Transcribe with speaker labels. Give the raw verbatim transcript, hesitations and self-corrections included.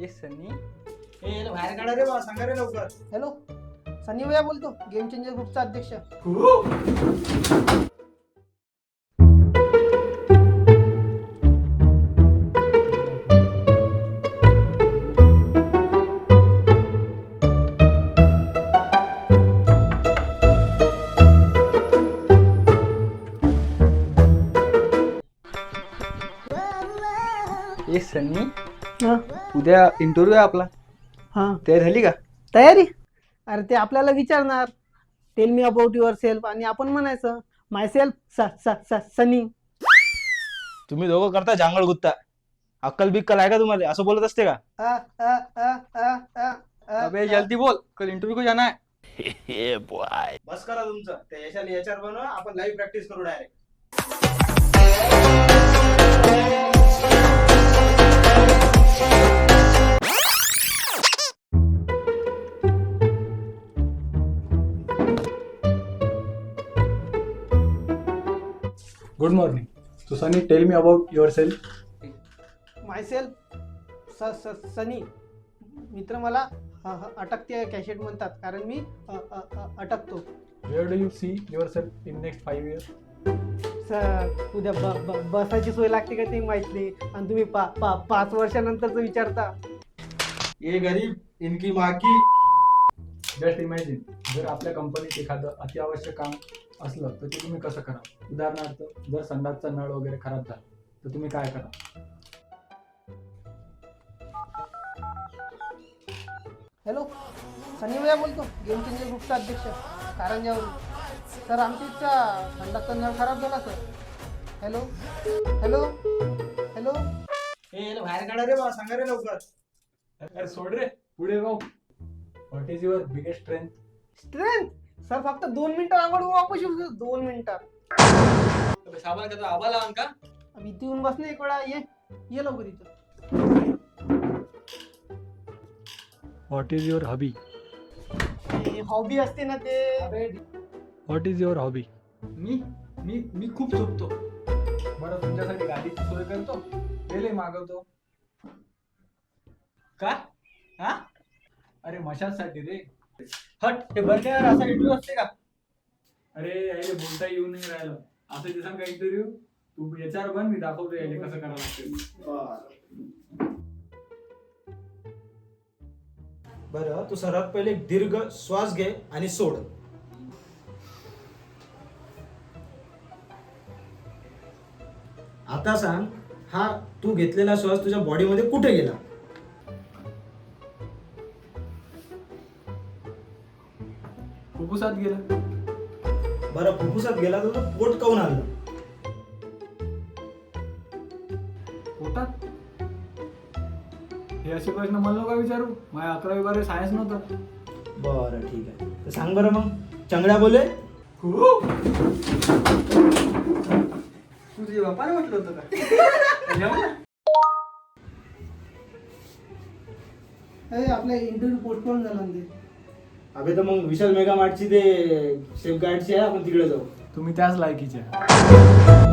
Speaker 1: ए सनी
Speaker 2: ए याला बाहेर काढा रे बा, सांगा रे लवकर.
Speaker 3: हॅलो, सनी भैया बोलतो, गेम चेंजर ग्रुपचा अध्यक्ष.
Speaker 1: ए सनी
Speaker 3: हा
Speaker 1: उद्या इंटरव्ह्यू आहे आपला,
Speaker 3: हा
Speaker 1: तयार झाली का?
Speaker 3: तयारी? अरे ते आपल्याला विचारणार, tell me about yourself, आणि आपण म्हणायचं माय सेल्फ सनी.
Speaker 1: तुम्ही दोघं करता जांगळ गुत्ता. अक्कल बिक्कल आहे का तुम्हाला? असं बोलत असते का?
Speaker 3: अ, अ, अ, अ, अ, अ,
Speaker 1: अबे
Speaker 3: अ.
Speaker 1: जल्दी बोल, कल इंटरव्यू को जाना है.
Speaker 2: बस करा तुमचं. ते यशाला याच्यावर बनवा, आपण लाईव्ह प्रॅक्टिस करू direct.
Speaker 4: Good morning. So Sunny, tell me about yourself.
Speaker 3: Myself Sunny. मित्र मला ह- ह- अटकते कॅशेट म्हणतात, कारण मी अ, अ, अ, अटकतो.
Speaker 4: Where do you see yourself in next five years?
Speaker 3: Sir, उद्या ब- ब- बसायची सोय लागते का ते माहित नाही, आणि तुम्ही पा पा पाच वर्षानंतरच विचारता.
Speaker 2: ये गरीब इनकी माँ की.
Speaker 4: Just imagine, जर आपल्या कंपनीत एखादं अत्यावश्यक काम असलं तर ते तुम्ही कसं करा? उदाहरणार्थ, जर संडासचा नळ वगैरे खराब झाला तर तुम्ही काय करा?
Speaker 3: हॅलो, सनी भैया बोलतो, गेम चेंजर ग्रुपचा अध्यक्ष, कारंजावरून. सर, आमच्या इथचा थंडाचा नळ खराब झाला सर. Hello hello hello.
Speaker 2: ए याला बाहेर काढा रे बा, सांगा रे लवकर.
Speaker 4: अरे सोड रे, पुढे जाऊ. What is your biggest strength?
Speaker 3: Strength? Sir, फक्त दोन मिनिटं आंघोळ वापस येऊ सर, दोन मिनिटात.
Speaker 1: साबण का आबा लावून का?
Speaker 3: अब इथे येऊन बसणे एक वेळा. ये ये लवकर इथं.
Speaker 4: What is your hobby?
Speaker 3: Hobby असते ना ते.
Speaker 4: What is your hobby?
Speaker 1: मी मी मी खूप झोपतो.
Speaker 4: बरं, तुमच्यासाठी गाडीची सोय करतो, रेल्वे मागवतो.
Speaker 1: का? हा?
Speaker 4: अरे मशासाठी रे.
Speaker 1: हट, हे बंद कर. असा इंटरव्ह्यू असते का?
Speaker 4: अरे यायले बोलता येऊ नाही राहिलं. असं दिसाल का इंटरव्ह्यू? तू याच्यावर बन, मी दाखवतो यायले कसं करावं लागतं.
Speaker 2: बरं, तू सर्वात पहिले एक दीर्घ श्वास घे आणि सोड. आता सांग, हा तू घेतलेला श्वास तुझ्या बॉडीमध्ये कुठे गेला?
Speaker 4: फुफ्फुसात गेलं.
Speaker 2: बरं, फुफ्फुसात गेला तर तुला पोट काऊन आलं?
Speaker 4: पोटात? हे असे प्रश्न मला नका विचारू. माझ्या अकरावी बारावी सायन्स नव्हतं.
Speaker 2: बरं, ठीक आहे. तर सांग बरं मग, चंगड्या बोले.
Speaker 1: तू तुझ्या बापाने म्हटलं होतं का? जेवण ना?
Speaker 3: अरे, आपला इंटरव्ह्यू पोस्टपोन झाला ना ते.
Speaker 2: अबे तर मग विशाल मेगा मार्टची ते सेफ गार्डची आहे, आपण तिकडे जाऊ.
Speaker 4: तुम्ही त्याच लायकीचे.